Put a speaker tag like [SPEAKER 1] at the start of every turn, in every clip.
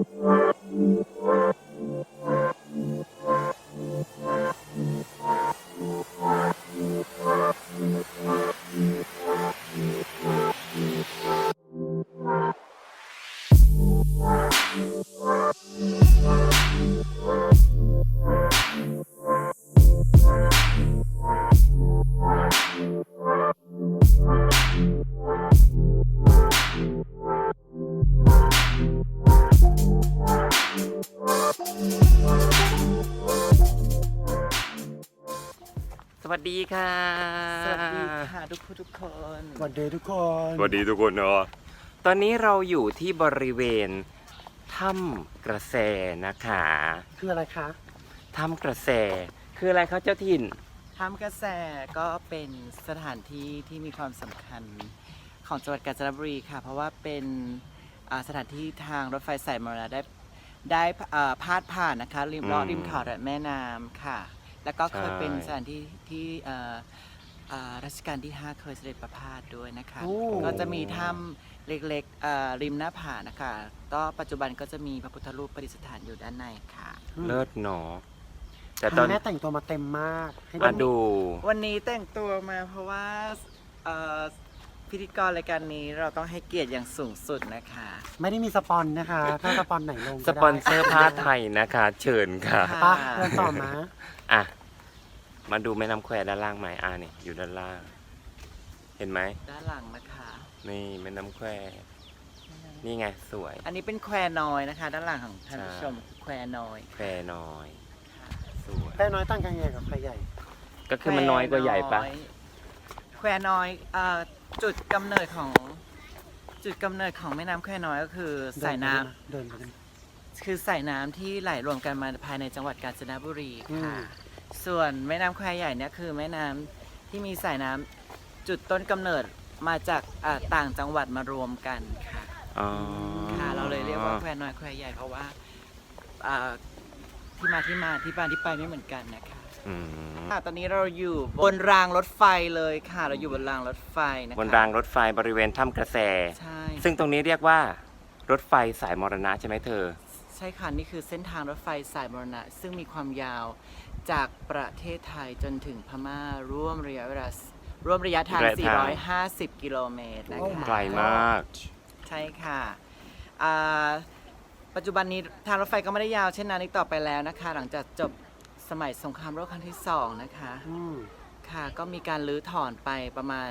[SPEAKER 1] สวัสดีค่ะ
[SPEAKER 2] สวัสดีค่ะทุกคน
[SPEAKER 3] สวัสดีทุกคน
[SPEAKER 1] สวัสดีทุกคนเนาะตอนนี้เราอยู่ที่บริเวณถ้ำกระแสนะคะ
[SPEAKER 3] คืออะไรคะ
[SPEAKER 1] ถ้ำกระแสคืออะไรครับเจ้าถิ่น
[SPEAKER 2] ถ้ำกระแสก็เป็นสถานที่ที่มีความสำคัญของจังหวัดกาญจนบุรีค่ะ เพราะว่าเป็นสถานที่ทางรถไฟสายมรณะได้พาดผ่านนะคะริมเขาและแม่น้ำค่ะ แล้วก็เคยเป็นสถานที่ที่รัชกาลที่ 5 เคยเสด็จประพาสด้วยนะคะ ก็จะมีถ้ำเล็กๆริมหน้าผานะคะก็ปัจจุบันก็จะมีพระพุทธรูปประดิษฐานอยู่ด้านในค่ะ
[SPEAKER 1] เลิศเนาะแต่
[SPEAKER 3] ต
[SPEAKER 1] ต
[SPEAKER 3] อ
[SPEAKER 1] อน น
[SPEAKER 3] แม่แต่งตัวมาเต็มมากให้
[SPEAKER 1] มาดู
[SPEAKER 2] วันนี้แต่งตัวมาเพราะว่าพิธีกรรายการนี้เราต้องให้เกียรติอย่างสูงสุดนะคะ
[SPEAKER 3] ไม่ได้มีสปอนนะคะ ถ้าสปอนไหนลง
[SPEAKER 1] สปอนเซอร์ผ้าไทยนะคะ เชิญค่ะ
[SPEAKER 2] ค่ะ
[SPEAKER 3] ปะเดินต่อมา
[SPEAKER 1] อ่ะมาดูแม่น้ำแควด้านล่างไหมนี่อยู่ด้านล่าง เห็นไหม
[SPEAKER 2] ด้านหลังนะคะ
[SPEAKER 1] นี่แม่น้ำแควนี่ไงสวย
[SPEAKER 2] อันนี้เป็นแควน้อยนะคะ ด้านหลังของท่านผู้ชมแควน้อย
[SPEAKER 1] แควน้อยสวย
[SPEAKER 3] แป้น้อยตั้งกันใหญ่กับใครใหญ่
[SPEAKER 1] ก็คือมันน้อยกว่าใหญ่ปะ
[SPEAKER 2] แควน้อยจุดกำเนิดของแม่น้ำแควน้อยก็คือสายน้ำ
[SPEAKER 3] เดินไปกัน
[SPEAKER 2] คือสายน้ำที่ไหลรวมกันมาภายในจังหวัดกาญจนบุรีค่ะ
[SPEAKER 3] อืม
[SPEAKER 2] ส่วนแม่น้ำแควใหญ่เนี่ยคือแม่น้ำที่มีสายน้ำจุดต้นกำเนิดมาจากต่างจังหวัดมารวมกันค่ะ
[SPEAKER 1] อ๋อ
[SPEAKER 2] ค่ะเราเลยเรียกว่าแควน้อยแควใหญ่เพราะว่าที่มาที่ไปไม่เหมือนกันนะคะ
[SPEAKER 1] อืม
[SPEAKER 2] ค่ะตอนนี้เราอยู่บนรางรถไฟเลยค่ะ เราอยู่บนรางรถไฟนะคะ
[SPEAKER 1] บนรางรถไฟบริเวณถ้ำกระแส
[SPEAKER 2] ใช่
[SPEAKER 1] ซึ่งตรงนี้เรียกว่ารถไฟสายมรณะใช่ไหมเธอ
[SPEAKER 2] ใช่ค่ะนี่คือเส้นทางรถไฟสายมรณะ ซึ่งมีความยาวจากประเทศไทยจนถึงพม่าร่วมระยะทาง
[SPEAKER 1] ระยะทาง
[SPEAKER 2] 450 กิโลเมตรนะ
[SPEAKER 3] โอ้
[SPEAKER 2] คะ
[SPEAKER 1] ไกลมาก
[SPEAKER 2] ใช่ค่ะอ่าปัจจุบันนี้ทางรถไฟก็ไม่ได้ยาวเช่นนั้นอีกต่อไปแล้วนะคะ หลังจากจบสมัยสงครามโลกครั้งที่ 2 นะคะ
[SPEAKER 3] อืม
[SPEAKER 2] ค่ะก็มีการรื้อถอนไปประมาณ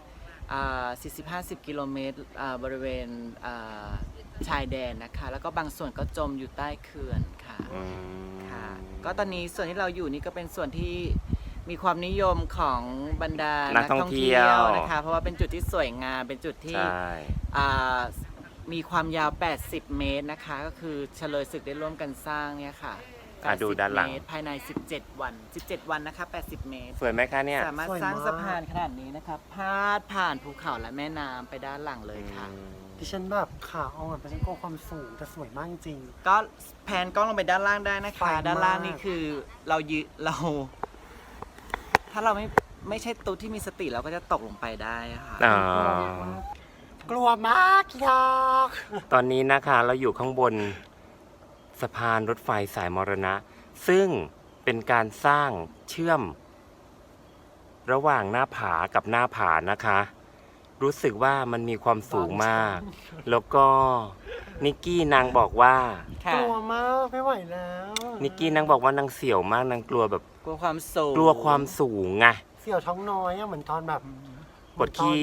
[SPEAKER 2] 40-50 กิโลเมตรบริเวณชายแดนนะคะ แล้วก็บางส่วนก็จมอยู่ใต้เขื่อนค่ะ
[SPEAKER 1] อืม
[SPEAKER 2] ค่ะ ก็ตอนนี้ส่วนที่เราอยู่นี่ก็เป็นส่วนที่มีความนิยมของบรรดานักท่องเที่ยวนะคะ เพราะว่าเป็นจุดที่สวยงามเป็นจุดที่
[SPEAKER 1] ใช่
[SPEAKER 2] มีความยาว 80 เมตรนะคะ ก็คือเฉลยศึกได้ร่วมกันสร้างเนี่ยค่ะ
[SPEAKER 1] ดูด้านหลัง
[SPEAKER 2] เมตรภายใน 17 วัน 17 วันนะคะ 80 เมตร
[SPEAKER 1] สวยไหมคะเนี่ย
[SPEAKER 2] สามารถสร้างสะพานขนาดนี้นะครับพาดผ่านภูเขาและแม่น้ำไปด้านหลังเลยค่ะ
[SPEAKER 3] ดิฉันแบบขาอ่อนไปฉันกลัวความสูงแต่สวยมากจริง
[SPEAKER 2] ก็แพนกล้องลงไปด้านล่างได้นะ
[SPEAKER 3] ไฟ
[SPEAKER 2] คะ
[SPEAKER 3] มาก
[SPEAKER 2] ด้านล่างนี่คือเรา ถ้าเราไม่ใช่ตุ๊ดที่มีสติเราก็จะตกลงไปได้ค่ะ
[SPEAKER 1] อ๋อ
[SPEAKER 3] กลัวมากยาก
[SPEAKER 1] ตอนนี้นะคะเราอยู่ข้างบนสะพานรถไฟสายมรณะ ซึ่งเป็นการสร้างเชื่อม ระหว่างหน้าผากับหน้าผานะคะ รู้สึกว่ามันมีความสูงมาก แล้วก็นิกกี้นางบอกว่า
[SPEAKER 3] กลัวมากไม่ไหวแล้ว
[SPEAKER 1] นิกกี้นางบอกว่านางเสี่ยวมากนางกลัวแบบ
[SPEAKER 2] กลัวความสูง
[SPEAKER 1] กลัวความสูงไง
[SPEAKER 3] เสี่ยวท้องน้อยอะเหมือนตอนแบบ
[SPEAKER 1] ปวดขี้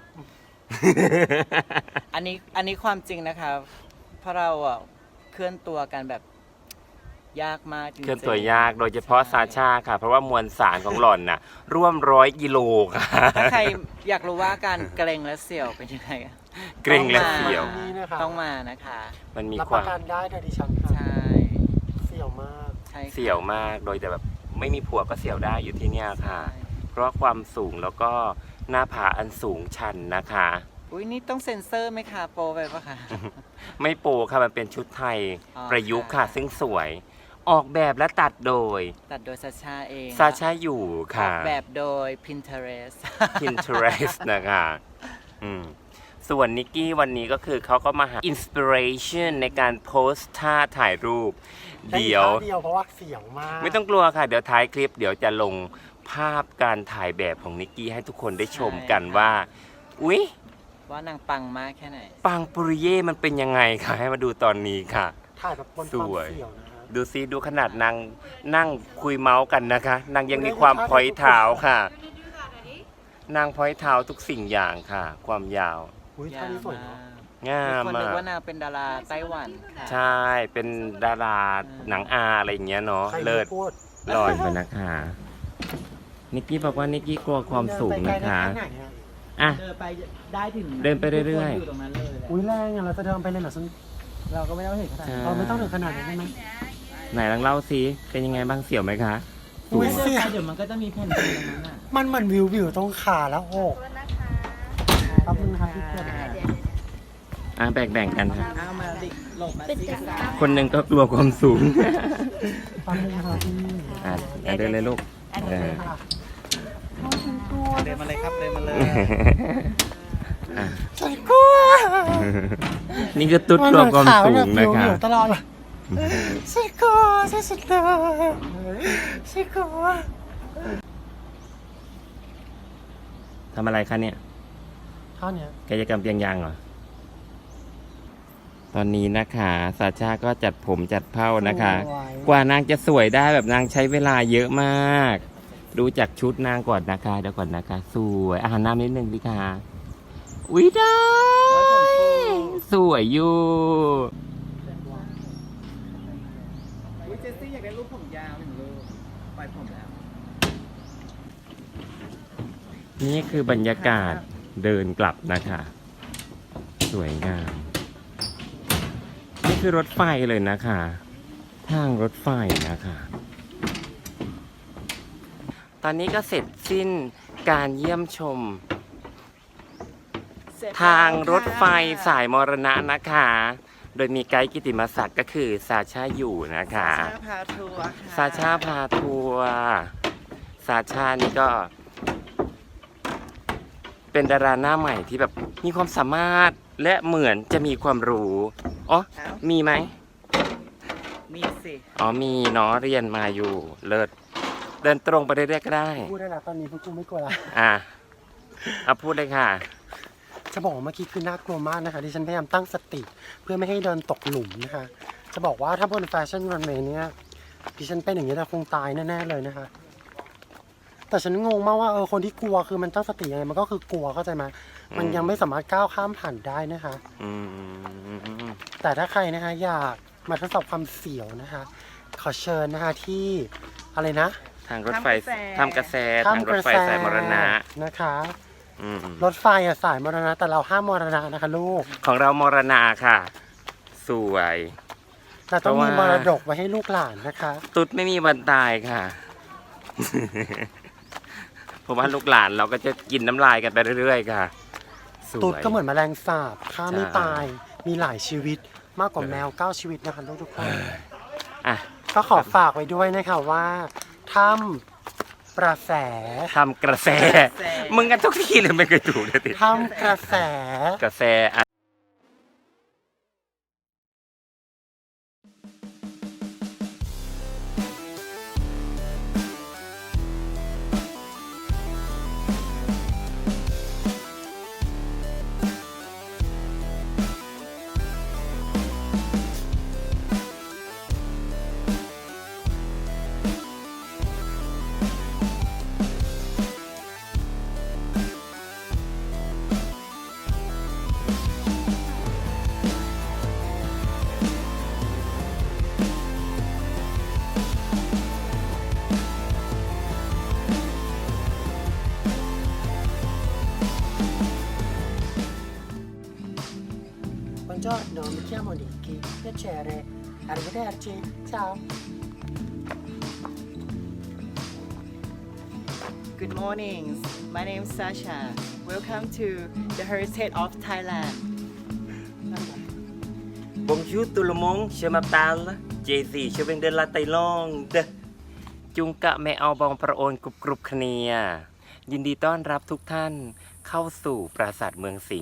[SPEAKER 2] อันนี้ความจริงนะคะเพราะเราเคลื่อนตัวกันแบบยากมากจริงๆ
[SPEAKER 1] เคลื่อนตัวยากโดยเฉพาะซาชาค่ะ เพราะว่ามวลสารของหล่อนน่ะ ร่วม100 กิโลค่ะ
[SPEAKER 2] ถ้าใครอยากรู้ว่าการเกรงและเสี่ยวเป็นยังไง
[SPEAKER 1] เกร็งและเสียว
[SPEAKER 3] นี่นะคะ
[SPEAKER 2] ต้องมานะคะ
[SPEAKER 1] มันมี
[SPEAKER 3] รับ
[SPEAKER 1] ค
[SPEAKER 3] ป
[SPEAKER 1] วา
[SPEAKER 3] ระ
[SPEAKER 1] ม
[SPEAKER 3] กันได้โดยดิฉันค่ะ
[SPEAKER 2] ใช่
[SPEAKER 3] เสี่ยวมาก
[SPEAKER 2] ใช่ค่ะ
[SPEAKER 1] เสี่ยวมากโดยแต่แบบไม่มีผัวก็เสี่ยวได้อยู่ที่เนี่ยค่ะ
[SPEAKER 2] ใช่
[SPEAKER 1] เพราะความสูงแล้วก็หน้าผาอันสูงชันนะคะ
[SPEAKER 2] อุ้ยนี่ต้องเซ็นเซอร์ไหมคะโปรไปปะคะ
[SPEAKER 1] ไม่โปค่ะมันเป็นชุดไทย
[SPEAKER 2] อ๋อ
[SPEAKER 1] ประยุกต์ค่ะ
[SPEAKER 2] ค่ะ
[SPEAKER 1] ซึ่งสวย ออกแบบและตัดโดย
[SPEAKER 2] ตัดโดยซาชาเอง
[SPEAKER 1] ซาชาอยู่
[SPEAKER 2] อ
[SPEAKER 1] ค่ะ
[SPEAKER 2] อกแบบโดย Pinterest
[SPEAKER 1] Pinterest นะคะอืมส่วนนิกกี้วันนี้ก็คือเขาก็มาหาอินสปิเรชันในการโพสท่าถ่ายรูป เดี๋ยว
[SPEAKER 3] เดียวเพราะว่าเสียงมาก
[SPEAKER 1] ไม่ต้องกลัวค่ะ เดี๋ยวท้ายคลิปเดี๋ยวจะลงภาพการถ่ายแบบของนิกกี้ให้ทุกคนได้ชมกันว่า อุ๊ย
[SPEAKER 2] ว่านางปังมากแค่ไหน
[SPEAKER 1] ปังปุริเย่มันเป็นยังไงค่ะให้มาดูตอนนี้ค่ะ
[SPEAKER 3] ถ่ายแบบบนความเสี่ยวนะฮะ
[SPEAKER 1] ดูซิดูขนาดนางนั่งคุยเมาส์กันนะคะนางยังมีความพอยเท้าค่ะนางพอยเท้าทุกสิ่งอย่างค่ะ ความยาว
[SPEAKER 3] อุ้ยท่านี้สวยเนาะ
[SPEAKER 1] งา
[SPEAKER 2] มี
[SPEAKER 1] ม
[SPEAKER 2] คนนึก
[SPEAKER 1] มาก
[SPEAKER 2] ว่านางเป็นดาราไต้หวันค่ะ
[SPEAKER 1] ใช่เป็นดาราหนังอาอะไรอย่างเงี้ยเนาะ
[SPEAKER 3] ใคร
[SPEAKER 1] เลิศ
[SPEAKER 3] พูด
[SPEAKER 1] ลอยไปนะคะนิกกี้บอกว่านิกกี้กลัวความสูงนะคะ
[SPEAKER 3] เดินไปไกลได้แค่ไหนอะ
[SPEAKER 1] อ่ะ
[SPEAKER 2] เดินไปได้ถึง
[SPEAKER 1] เดินไปเรื่อยๆ
[SPEAKER 2] ทุกคนอยู่ตรงนั้นเลยแหละ
[SPEAKER 3] อุ้ยแรงอ่ะเราจะเดินไปเลยเหรอฉัน
[SPEAKER 2] เราก็ไม่ต้องถึงขนาดนั้น
[SPEAKER 3] เราไม่ต้องถึงขนาดนั้นได้ไหม
[SPEAKER 1] ไหนลองเล่าสิเป็นยังไงบ้างเสียวไหมคะ
[SPEAKER 3] อุ้ย
[SPEAKER 2] เดิน
[SPEAKER 3] เสีย
[SPEAKER 2] ไปเดี๋ยวมันก็จะมีแผ่นดินตรงนั้นอ่ะ
[SPEAKER 3] มันเหมือนวิวตรงขาแล้วโอ้ขอบคุณครับพี่เพื่อน
[SPEAKER 1] อ่ะแบ่งๆกันค่ะ
[SPEAKER 2] เอามาดิหลบมาสิ
[SPEAKER 1] คนหนึ่งก็กลัวความสูง
[SPEAKER 3] ขอบคุณครับพี่
[SPEAKER 1] อ่ะเดินเลยลูกเออ
[SPEAKER 2] เดินมาเลยครับเดินมาเลย
[SPEAKER 1] อ่ะ
[SPEAKER 3] ฉันกลัว
[SPEAKER 1] นี่คือตุ๊ดกลัวความสูงนะคะ
[SPEAKER 3] วิวตลอดเลยฉันกลัวฉันสุดเลยฉันกลัว
[SPEAKER 1] ทำอะไรคะเนี่ย
[SPEAKER 3] เท่านี้
[SPEAKER 1] กายกรรมเปียงยางเหรอ ตอนนี้นะคะซาชาก็จัดผมจัดเผ้านะคะ กว่านางจะสวยได้แบบนางใช้เวลาเยอะมาก ดูจากชุดนางก่อนนะคะเดี๋ยวก่อนนะคะ สวยอาหารน้ำนิดนึงดิค่ะอุ้ยได้สวยอยู่
[SPEAKER 2] อุ๊ยเจสซี่อยากได้รูปผมยาวหนึ่งรูปปล่อยผมแล้ว
[SPEAKER 1] นี่คือบรรยากาศเดินกลับนะคะ สวยงาม นี่คือรถไฟเลยนะคะ ทางรถไฟนะคะ ตอนนี้ก็เสร็จสิ้นการเยี่ยมชม ทางรถไฟสายมรณะนะคะ โดยมีไกด์กิติมศักดิ์ก็คือซาชาอยู่นะคะ
[SPEAKER 2] ซาชาพาทัวร์ค่ะ
[SPEAKER 1] ซาชาพาทัวร์ซาชานี่ก็ เป็นดาราหน้าใหม่ที่แบบมีความสามารถและเหมือนจะมีความรู้อ๋อ
[SPEAKER 2] เอ้า
[SPEAKER 1] มีไหม
[SPEAKER 2] มีสิ
[SPEAKER 1] อ๋อมีเนาะเรียนมาอยู่เลิศเดินตรงไปเรื่อยๆก็ได้
[SPEAKER 3] พูดได้แล้วตอนนี้พวกกูไม่กลัวละ
[SPEAKER 1] อ่ะเอาพูดเลยค่ะ
[SPEAKER 3] จะบอกว่าเมื่อกี้คือน่ากลัวมากนะคะที่ฉันพยายามตั้งสติ เพื่อไม่ให้เดินตกหลุมนะคะ จะบอกว่าถ้าบนแฟชั่นรันเวย์เนี่ยดิฉันเป็นอย่างนี้แต่คงตายแน่ๆเลยนะคะ แต่ฉันงงมากว่าคนที่กลัวคือมันตั้งสติยังไงมันก็คือกลัวเข้าใจไหมมันยังไม่สามารถก้าวข้ามผ่านได้นะคะ
[SPEAKER 1] อืม
[SPEAKER 3] แต่ถ้าใครนะคะอยากมาทดสอบความเสียวนะคะ ขอเชิญนะคะที่อะไรนะ
[SPEAKER 1] ทางรถไฟทำกระแสทางรถไฟสายมรณะ
[SPEAKER 3] นะคะ
[SPEAKER 1] อืม
[SPEAKER 3] รถไฟอะสายมรณะแต่เราห้ามมรณะนะคะลูก
[SPEAKER 1] ของเรามรณะค่ะ สวย
[SPEAKER 3] เราต้องมี
[SPEAKER 1] เพ
[SPEAKER 3] ม
[SPEAKER 1] ราะว่า
[SPEAKER 3] รดกไว้ให้ลูกหลานนะคะ
[SPEAKER 1] ตุ๊ดไม่มีวันตายค่ะ เพราะว่าลูกหลานเราก็จะกินน้ำลายกันไปเรื่อยๆค่ะสวย
[SPEAKER 3] ตุ๊ดก็เหมือนแมลงสาบฆ่าไม่
[SPEAKER 1] ใช่
[SPEAKER 3] ตาย มีหลายชีวิตมากกว่าแมว 9 ชีวิตนะคะทุกคน
[SPEAKER 1] อ่ะ
[SPEAKER 3] ก็ขอฝากไว้ด้วยนะคะว่าถ้ำประแส
[SPEAKER 1] ทำกระแส มึงกันทุกทีเลยไม่เคยถูกเลยติ
[SPEAKER 3] ถ้ำกระแส
[SPEAKER 1] กระแสอ่ะ
[SPEAKER 3] Buongiorno, mi chiamo Nicky. Piacere. Arrivederci. Ciao.
[SPEAKER 2] Good morning my name is Sasha welcome to the heritage of Thailand
[SPEAKER 1] Bonjour tout le monde, je m'appelle Jay-Z, je viens de la Thaïlande จุงกะแม่เอาบองประโอนกรุบๆคเนียยินดีต้อนรับทุกท่านเข้าสู่ปราสาทเมืองสิงห์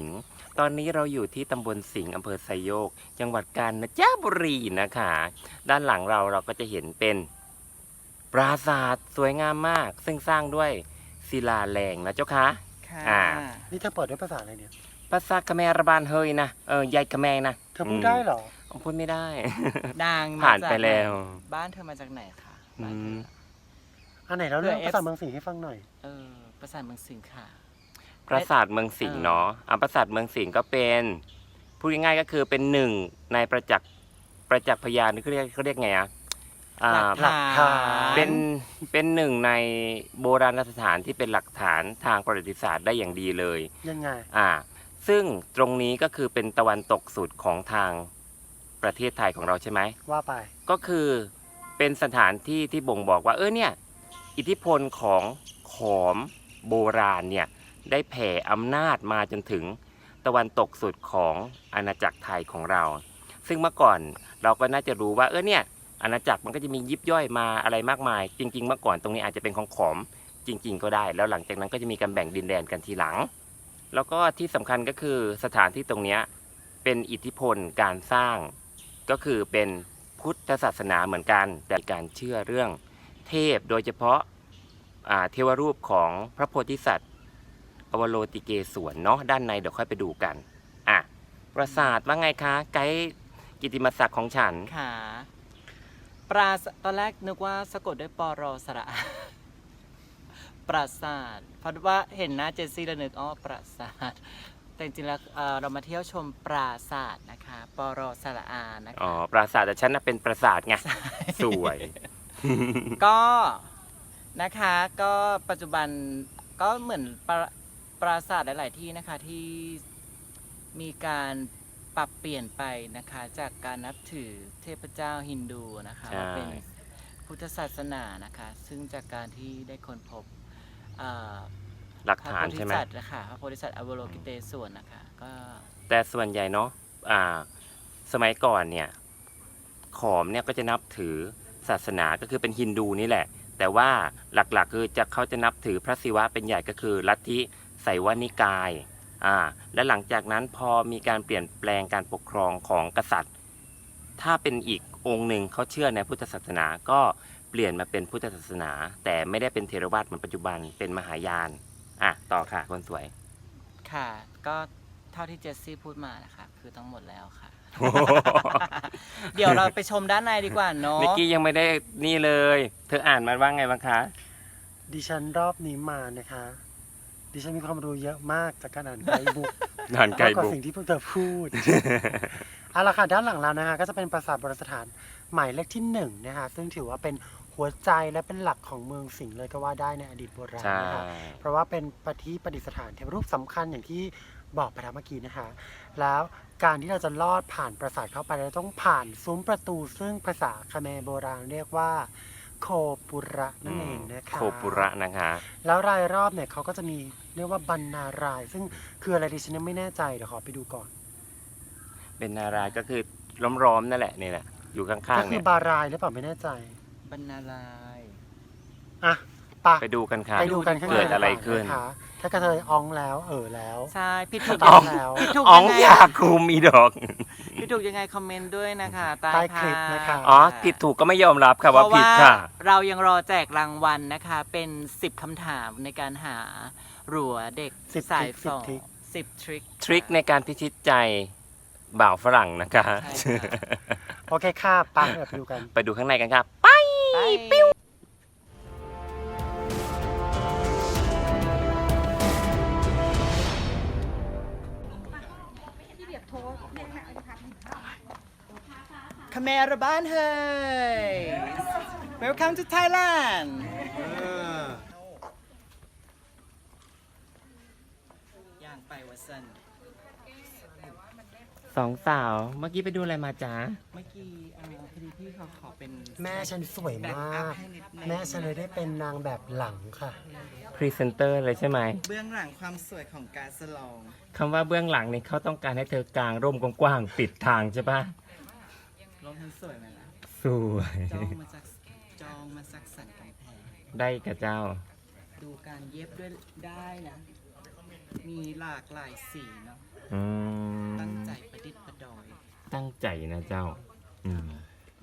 [SPEAKER 1] ตอนนี้เราอยู่ที่ตำบลสิงห์อำเภอไซโยก จังหวัดกาญจนบุรีนะคะ ด้านหลังเราก็จะเห็นเป็นปราสาทสวยงามมาก ซึ่งสร้างด้วยศิลาแรงนะเจ้าคะ
[SPEAKER 2] ค่ะ
[SPEAKER 1] อ่า
[SPEAKER 3] นี่เธอเปิดด้วยภาษาอะไรเนี่ย
[SPEAKER 1] ภาษาคแมระบานเฮยนะยายคแมนะ
[SPEAKER 3] เธอพูดได้เหรอ
[SPEAKER 1] พูดไม่ได้
[SPEAKER 2] ดัง
[SPEAKER 1] ผ่านไปแล้ว
[SPEAKER 2] บ้านเธอมาจากไหนคะบ้านเธอ
[SPEAKER 3] อันไหนเราเรื่อง
[SPEAKER 2] เผื่อ
[SPEAKER 3] ภาษาเมืองสิงห์ให้ฟังหน่อย
[SPEAKER 2] ปราสาทเมืองสิงห์ค่ะ
[SPEAKER 1] ปราสาทเมืองสิงห์เนาะปราสาทเมืองสิงห์ก็เป็นพูดง่ายๆก็คือเป็นหนึ่งในประจักษ์พยานนี่เขาเรียกไงอ่ะ
[SPEAKER 2] หลักฐาน
[SPEAKER 1] เป็นหนึ่งในโบราณสถานที่เป็นหลักฐานทางประวัติศาสตร์ได้อย่างดีเลย
[SPEAKER 3] ยังไง
[SPEAKER 1] ซึ่งตรงนี้ก็คือเป็นตะวันตกสุดของทางประเทศไทยของเราใช่ไหม
[SPEAKER 3] ว่าไป
[SPEAKER 1] ก็คือเป็นสถานที่ที่บ่งบอกว่าเนี่ยอิทธิพลของขอมโบราณเนี่ยได้แผ่อำนาจมาจนถึงตะวันตกสุดของอาณาจักรไทยของเรา ซึ่งเมื่อก่อนเราก็น่าจะรู้ว่าเนี่ยอาณาจักรมันก็จะมียิบย่อยมาอะไรมากมาย จริง ๆ เมื่อก่อนตรงนี้อาจจะเป็นของขอมจริง ๆ ก็ได้ แล้วหลังจากนั้นก็จะมีการแบ่งดินแดนกันทีหลัง แล้วก็ที่สำคัญก็คือสถานที่ตรงนี้เป็นอิทธิพลการสร้างก็คือเป็นพุทธศาสนาเหมือนกันแต่การเชื่อเรื่องเทพโดยเฉพาะเทวรูปของพระโพธิสัตว์อวโลติเกศวรเนาะด้านในเดี๋ยวค่อยไปดูกันปราสาทว่าไงคะไกด์กิตติมศักดิ์ของฉัน
[SPEAKER 2] ค่ะตอนแรกนึกว่าสะกดด้วยปรสระอา ปราสาทเพราะว่าเห็นหน้าเจสซี่แล้วนึกปราสาทแต่จริงๆแล้วเรามาเที่ยวชมปราสาทนะคะปรสระอานะคะ
[SPEAKER 1] ปราสาทแต่ฉันน่ะเป็นปราสาทไงสวย
[SPEAKER 2] ก็นะคะก็ปัจจุบันก็เหมือนปราสาทหลาย ๆ ที่นะคะที่มีการปรับเปลี่ยนไปนะคะจากการนับถือเทพเจ้าฮินดูนะคะ
[SPEAKER 1] ใช่
[SPEAKER 2] มาเป็นพุทธศาสนานะคะซึ่งจากการที่ได้ค้นพบ
[SPEAKER 1] หลัก
[SPEAKER 2] พระ
[SPEAKER 1] ฐาน
[SPEAKER 2] โพธิ
[SPEAKER 1] ใช่ไหม
[SPEAKER 2] สัตว์นะคะพระโพธิสัตว์อวโลกิเตศวรนะคะก็
[SPEAKER 1] แต่ส่วนใหญ่เนาะสมัยก่อนเนี่ยขอมเนี่ยก็จะนับถือศาสนาก็คือเป็นฮินดูนี่แหละ แต่ว่าหลักๆคือเขาจะนับถือพระศิวะเป็นใหญ่ก็คือลัทธิไสยวนิกายและหลังจากนั้นพอมีการเปลี่ยนแปลงการปกครองของกษัตริย์ ถ้าเป็นอีกองค์หนึ่งเขาเชื่อในพุทธศาสนาก็เปลี่ยนมาเป็นพุทธศาสนา แต่ไม่ได้เป็นเทรวาสเหมือนปัจจุบันเป็นมหายานต่อค่ะคนสวย
[SPEAKER 2] ค่ะก็เท่าที่เจสซี่พูดมานะคะคือทั้งหมดแล้วค่ะ เดี๋ยวเราไปชมด้านในดีกว่าเนาะ
[SPEAKER 1] นิกกี้ยังไม่ได้นี่เลย เธออ่านมันว่าไงบ้างคะ
[SPEAKER 3] ดิฉันรอบนี้มานะคะ ดิฉันมีความรู้เยอะมากจากการอ่านไกด์บุ๊ก
[SPEAKER 1] อ่านไก
[SPEAKER 3] มาก
[SPEAKER 1] ด์
[SPEAKER 3] กว่า
[SPEAKER 1] บุ๊ก
[SPEAKER 3] สิ่งที่พวกเธอพูด เอาละค่ะด้านหลังเรานะคะก็จะเป็นปราสาทโบราณสถานหมายเลขที่1นะคะซึ่งถือว่าเป็นหัวใจและเป็นหลักของเมืองสิงห์เลยก็ว่าได้ในอดีตโบราณ
[SPEAKER 1] ใช่
[SPEAKER 3] นะคะเพราะว่าเป็นประดิษฐานเทวรูปสำคัญอย่างที่บอกไปแล้วเมื่อกี้นะคะ แล้วการที่เราจะลอดผ่านปราสาทเข้าไปเราต้องผ่านซุ้มประตู ซึ่งภาษาคแมร์โบราณเรียกว่าโคปุระนั่นเองนะคะ
[SPEAKER 1] โคปุระนะคะ
[SPEAKER 3] แล้วรายรอบเนี่ยเขาก็จะมีเรียกว่าบรรณาราย ซึ่งคืออะไรดิฉันยังไม่แน่ใจเดี๋ยวขอไปดูก่อน
[SPEAKER 1] เป็นนารายก็คือล้อมๆนั่นแหละนี่แหละอยู่ข้าง
[SPEAKER 3] ก็
[SPEAKER 1] ๆ
[SPEAKER 3] คื
[SPEAKER 1] เนี่
[SPEAKER 3] อย บารายหรือเปล่าไม่แน่ใจ
[SPEAKER 2] บรรณาลาย
[SPEAKER 3] อ่ะปะ
[SPEAKER 1] ไปดูกันค่ะ
[SPEAKER 3] ไปดูกันข้างใน
[SPEAKER 1] เกิดอะไรขึ้น
[SPEAKER 3] ะคะถ้ากระเทยอ้องแล้วแล้ว
[SPEAKER 2] ใช่ผิดถูก
[SPEAKER 3] อ๋
[SPEAKER 2] ยั
[SPEAKER 3] อ
[SPEAKER 2] งไง
[SPEAKER 3] แล้ว
[SPEAKER 2] ผิดถูก
[SPEAKER 1] อ๋อ
[SPEAKER 2] ยัง งไง
[SPEAKER 1] ยาคุมอีดอก
[SPEAKER 2] ผิดถูกยังไงคอมเมนต์ด้วยนะคะใต้
[SPEAKER 3] ใต้ค
[SPEAKER 2] ภา
[SPEAKER 3] ลิป
[SPEAKER 2] พ
[SPEAKER 3] นะคะ
[SPEAKER 1] อ๋อผิดถูกก็ไม่ยอมรับค่ะ
[SPEAKER 2] เพ
[SPEAKER 1] ว่า
[SPEAKER 2] ราะ
[SPEAKER 1] ผิ
[SPEAKER 2] ว่า
[SPEAKER 1] ดค่ะ
[SPEAKER 2] เรายังรอแจกรางวัลนะคะ เป็น10คำถามในการหารัวเด็ก
[SPEAKER 3] 10
[SPEAKER 2] สาย
[SPEAKER 3] ทริค
[SPEAKER 2] ฝอ
[SPEAKER 3] 10ทริค
[SPEAKER 2] 10 ทริค
[SPEAKER 1] ทริคในการพิชิตใจบ่าวฝรั่งนะคะ
[SPEAKER 2] ใช่ค่ะ
[SPEAKER 3] โอเคค่ะปะเดี๋ยวไปดูกัน
[SPEAKER 1] ไปดูข้างในกันครับ
[SPEAKER 2] ไปปิ้ว คาเมราบ้านเฮ้ย Welcome to Thailand ย่างไปวัสัน
[SPEAKER 1] สองสาวเมื่อกี้ไปดูอะไรมาจ๊ะ
[SPEAKER 2] เมื่อกี้พอดีพี่เขาขอเป็น
[SPEAKER 3] แม่ฉันสวย
[SPEAKER 2] แบ็ค
[SPEAKER 3] มา
[SPEAKER 2] อัพ
[SPEAKER 3] ก
[SPEAKER 2] ให้นิดนึง
[SPEAKER 3] แม่ฉันเลยได้เป็นนางแบบหลังค่ะ
[SPEAKER 1] พรีเซนเตอร์เลยใช่ไหม
[SPEAKER 2] เบื้องหลังความสวยของการสลอง
[SPEAKER 1] คำว่าเบื้องหลังนี่เขาต้องการให้เธอกางร่มกว้างๆปิดทางใช่ปะ
[SPEAKER 2] ลงทันสวยไหมล่ะ
[SPEAKER 1] สวย
[SPEAKER 2] จองมาสักสันกำแพง
[SPEAKER 1] ได้กับเจ้า
[SPEAKER 2] ดูการเย็บด้วยได้นะ มีหลากหลายสีเนาะ
[SPEAKER 1] อืม
[SPEAKER 2] ตั้งใจประดิษฐ์ประดอย
[SPEAKER 1] ตั้งใจนะเจ้า อืม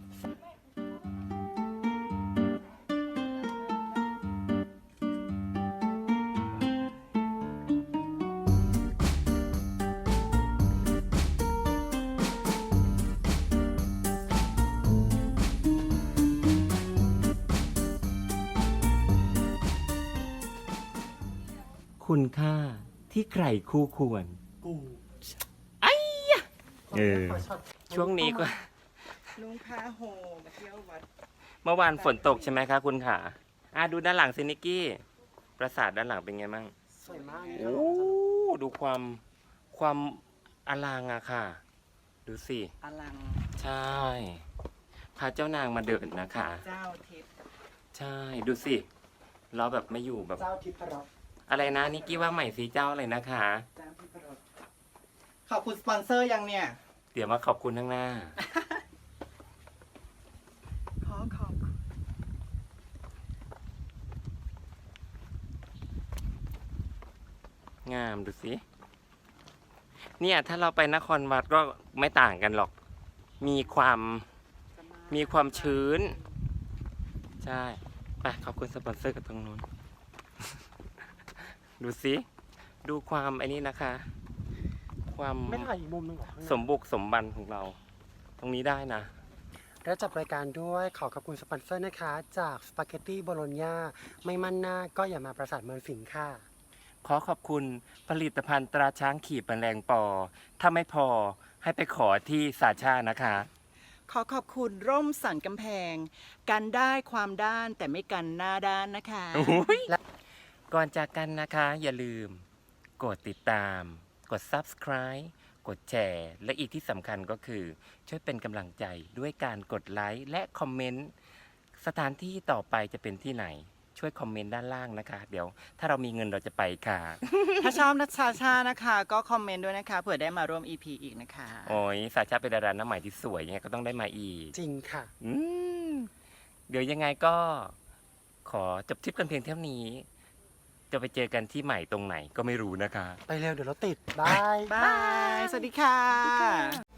[SPEAKER 1] คุณค่าที่ใครคู่ควร
[SPEAKER 3] กู
[SPEAKER 1] เออ ช่วงนี้ก็
[SPEAKER 2] ลุงพาโฮมาเที่ยววัด
[SPEAKER 1] เมื่อวานฝนตกใช่ไหมคะคุณขาดูด้านหลังสินิกกี้ ปราสาทด้านหลังเป็นไงบ้าง
[SPEAKER 3] สวยมาก
[SPEAKER 1] โอ้ ดูความอลังอะค่ะ ดูสิ
[SPEAKER 2] อลัง
[SPEAKER 1] ใช่ พาเจ้านางมาเดินนะคะ
[SPEAKER 2] เจ้าทิพย์
[SPEAKER 1] ใช่ ดูสิ เราแบบไม่อยู่แบบ
[SPEAKER 3] เจ้าทิพย์รส
[SPEAKER 1] อะไรนะนิกกี้ว่าใหม่สิเจ้าอะไรนะคะ
[SPEAKER 2] เจ้าทิพย์รสขอบคุณสปอนเซอร์ยังเนี่ย
[SPEAKER 1] เดี๋ยวมาขอบคุณข้างหน้า
[SPEAKER 2] ขอบคุณ
[SPEAKER 1] งามดูสิ เนี่ยถ้าเราไปนครวัดก็ไม่ต่างกันหรอก มีความชื้น ใช่ ไปขอบคุณสปอนเซอร์กับตรงนู้น ดูสิ ดูความไอ้นี่นะคะ ความ
[SPEAKER 3] ไม่ถ่ายอีกมุมหนึงเหรอข้างใน
[SPEAKER 1] สมบุกสมบันของเรา ตรงนี้ได้นะ
[SPEAKER 3] และจับรายการด้วยขอขอบคุณสปอนเซอร์นะคะ จากสปาเกตตี้โบโลญญาไม่มั่นหน้าก็อย่ามาปราสาทเมืองสิงห์ค่ะ
[SPEAKER 1] ขอขอบคุณผลิตภัณฑ์ตราช้างขี่แมลงปอ ถ้าไม่พอให้ไปขอที่สาชานะคะ
[SPEAKER 2] ขอขอบคุณร่มสันกำแพง กันได้ความด้านแต่ไม่กันหน้าด้านนะคะ
[SPEAKER 1] ก่อนจากกันนะคะ อย่าลืม กดติดตาม กด subscribe กดแชร์ และอีกที่สำคัญก็คือ ช่วยเป็นกำลังใจด้วยการกดไลค์และคอมเมนต์ สถานที่ต่อไปจะเป็นที่ไหน ช่วยคอมเมนต์ด้านล่างนะคะ เดี๋ยว ถ้าเรามีเงินเราจะไปค่ะ
[SPEAKER 2] ถ้าชอบนัชชาชานะคะ ก็คอมเมนต์ด้วยนะคะเผื่อได้มาร่วม EP อีกนะคะ
[SPEAKER 1] โอ้ยสาชาเป็นดาราหน้าใหม่ที่สวยยังไงก็ต้องได้มาอีก
[SPEAKER 3] จริงค่ะ
[SPEAKER 1] อืมเดี๋ยวยังไงก็ขอจบทริปกันเพียงเท่านี้ จะไปเจอกันที่ใหม่ตรงไหนก็ไม่รู้นะคะ
[SPEAKER 3] ไปเร็วเดี๋ยวเราติด บาย
[SPEAKER 2] บาย สวัสดีค่ะ